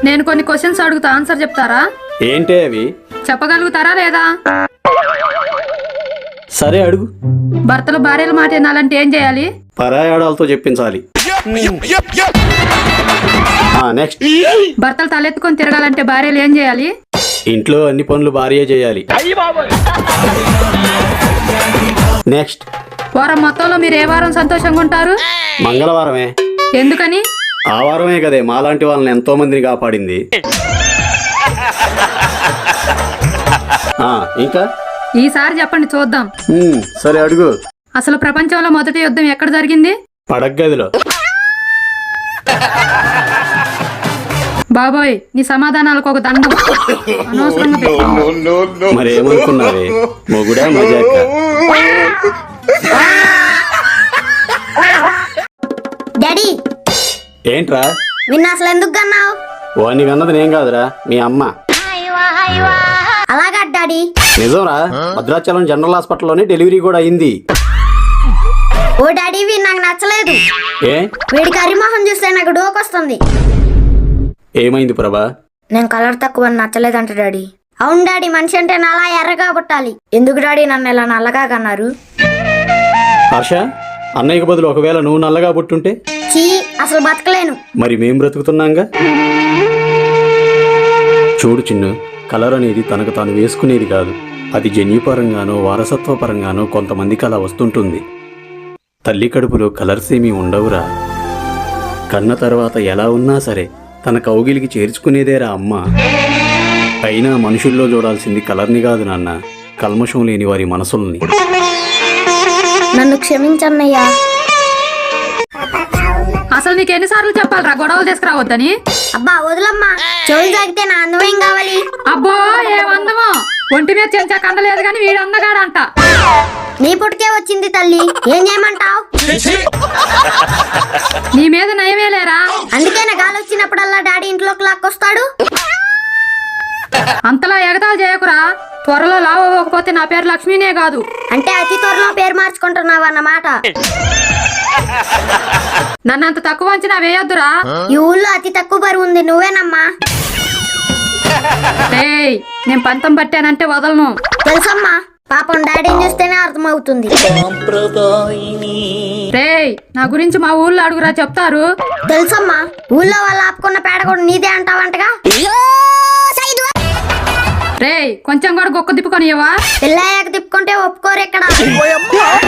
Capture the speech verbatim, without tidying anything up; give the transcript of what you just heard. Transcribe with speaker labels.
Speaker 1: నేను కొన్ని క్వశ్చన్స్ అడుగుతా, ఆన్సర్ చెప్తారా?
Speaker 2: ఏంటే అవి?
Speaker 1: చెప్పగలుగుతారా లేదా?
Speaker 2: సరే అడుగు.
Speaker 1: భర్తలు భార్యల మాట వినాలంటే ఏం చేయాలి?
Speaker 2: పరాయాడాలతో చెప్పించాలి. నెక్స్ట్.
Speaker 1: భర్తలు తలెత్తుకొని తిరగాలంటే భార్యలు ఏం చేయాలి?
Speaker 2: ఇంట్లో అన్ని పనులు భార్య చేయాలి. నెక్స్ట్.
Speaker 1: వారం మొత్తంలో మీరు ఏ వారం సంతోషంగా ఉంటారు?
Speaker 2: మంగళవారమే.
Speaker 1: ఎందుకని?
Speaker 2: ఆ వారమే కదే మాలాంటి వాళ్ళని ఎంతో మందిని కాపాడింది. ఆ, ఇంకా
Speaker 1: ఈసారి చెప్పండి చూద్దాం.
Speaker 2: ఉమ్, సరే అడుగు.
Speaker 1: అసలు ప్రపంచంలో మొదటి యుద్ధం ఎక్కడ జరిగింది?
Speaker 2: పడగ్గదిలో.
Speaker 1: బాబోయ్, నీ సమాధానాలకు ఒక దండం. అనవసరంగా పెట్టావు.
Speaker 2: మరేమనుకున్నావే, మొగుడా మజాక?
Speaker 3: డాడీ
Speaker 2: ఏంట్రా?
Speaker 3: నిన్న అసలు ఎందుకు కన్నావు?
Speaker 2: వాడిని కన్నది నేను కాదురా, మీ అమ్మ.
Speaker 3: అలాగా డాడీ?
Speaker 2: నిజంరా, భద్రాచలం జనరల్ హాస్పిటల్లోనే డెలివరీ కూడా అయింది.
Speaker 3: ఓ డాడీ, వీడు నాకు నచ్చలేదు.
Speaker 2: ఏ?
Speaker 3: వీడి కర్రీమోహం చూస్తే నాకు డోకొస్తుంది.
Speaker 2: ఏమైంది ప్రభా?
Speaker 3: నేను కలర్ తక్కువ నచ్చలేదంట డాడీ. అవును డాడీ, మనిషి అంటే నలా ఎర్రగా పుట్టాలి. ఎందుకు డాడీ నన్ను ఇలా నల్లగా కన్నారు?
Speaker 2: హర్ష, అన్నయ్యకు బదులు ఒకవేళ నువ్వు నల్లగా పుట్టుంటే?
Speaker 3: చీ, అసలు బతకలేను.
Speaker 2: మరి మేం బ్రతుకుతున్నాంగా. చూడు చిన్ను, కలర్ అనేది తనకు తాను వేసుకునేది కాదు. అది జన్యుపరంగానో వారసత్వపరంగానో కొంతమందికి అలా వస్తుంటుంది. తల్లి కడుపులో కలర్స్ ఏమీ ఉండవురా. కన్న తర్వాత ఎలా ఉన్నా సరే తన కౌగిలికి చేర్చుకునేదేరా అమ్మ. అయినా మనుషుల్లో చూడాల్సింది కలర్ని కాదు నాన్న, కల్మషం లేని వారి మనసుల్ని.
Speaker 3: నన్ను క్షమించన్నయ్యా.
Speaker 1: అసలు నీకు ఎన్నిసార్లు చెప్పాలరా గొడవలు తీసుకురావద్దని?
Speaker 3: అబ్బా వదులమ్మా, చెవులు తాగితే నా అందమేం కావాలి?
Speaker 1: అబ్బో, ఏమందమో! ఒంటి మీద చెంచా కండలేదు గాని వీడు అందగాడంట.
Speaker 3: నీ పుట్టుకే వచ్చింది తల్లి, ఏం చేయమంటావు?
Speaker 1: నీ మీద నయమే లేరా?
Speaker 3: అందుకే నా గాలి వచ్చినప్పుడల్లా డాడీ ఇంట్లోకి లాక్కొస్తాడు.
Speaker 1: అంతలా ఎగతాలు చేయకురా. త్వరలో లావు అవ్వకపోతే నా పేరు లక్ష్మీనే కాదు.
Speaker 3: అంటే అతి త్వరలో పేరు మార్చుకుంటున్నావు అన్నమాట.
Speaker 1: నన్ను అంత తక్కువ అంచనా వేయొద్దురా.
Speaker 3: ఈ ఊళ్ళో అతి తక్కువ బరువు ఉంది నువ్వేనమ్మా.
Speaker 1: ఏయ్, నేను పంతం పట్టానంటే వదలను.
Speaker 3: తెలుసమ్మా, పాపం డాడీని చూస్తేనే అర్థమవుతుంది.
Speaker 1: రేయ్, నా గురించి మా ఊళ్ళో అడుగురా, చెప్తారు.
Speaker 3: తెలుసమ్మా, ఊళ్ళో వాళ్ళు ఆపుకున్న పేడ కూడా నీదే అంటావంటగా.
Speaker 1: రేయ్, కొంచెం కూడా గొక్క తిప్పుకొని ఇవ్వవా?
Speaker 3: పిల్లయ్యాక తిప్పుకుంటే ఒప్పుకోరు ఇక్కడ.